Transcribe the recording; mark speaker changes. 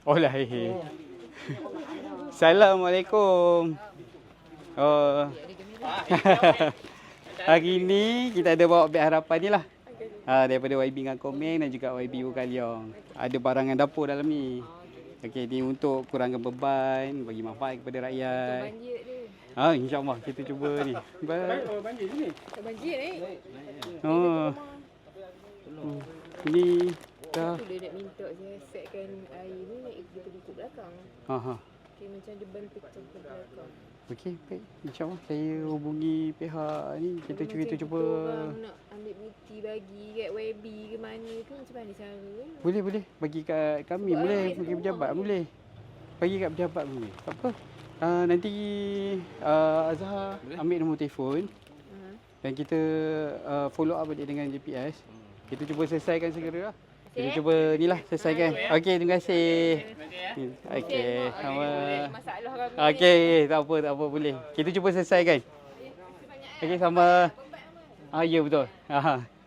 Speaker 1: Oh lah. Assalamualaikum. Oh. Hari ni kita ada bawa beg harapan ni lah. Daripada YB dengan Komeng dan juga YB Bukaliong. Ada barangan dapur dalam ni. Okey, ni untuk kurangkan beban, bagi manfaat kepada rakyat. InsyaAllah kita cuba ni.
Speaker 2: Banjir sini.
Speaker 3: Tak banjir ni.
Speaker 1: Oh. Ini dah.
Speaker 3: Dia nak minta saya setkan air ni naik kita ikut belakang. Okey, macam dia ban pecah ke belakang.
Speaker 1: Okey, baik. InsyaAllah saya hubungi pihak ni. Kita cuba.
Speaker 3: Orang nak ambil bukti bagi kat YB ke mana tu macam mana cara?
Speaker 1: Boleh. Bagi kat kami boleh. Bagi pejabat boleh. Bagi kat pejabat boleh. Tak apa. Nanti Azhar ambil nombor telefon. Dan kita follow up balik dengan GPS. Kita cuba selesaikan segera lah. Kita cuba ni lah selesaikan. Okey, terima kasih. Okey, sama.
Speaker 3: Masalah kami.
Speaker 1: Okey, tak apa boleh. Kita cuba selesaikan. Okey, sama. Ya betul.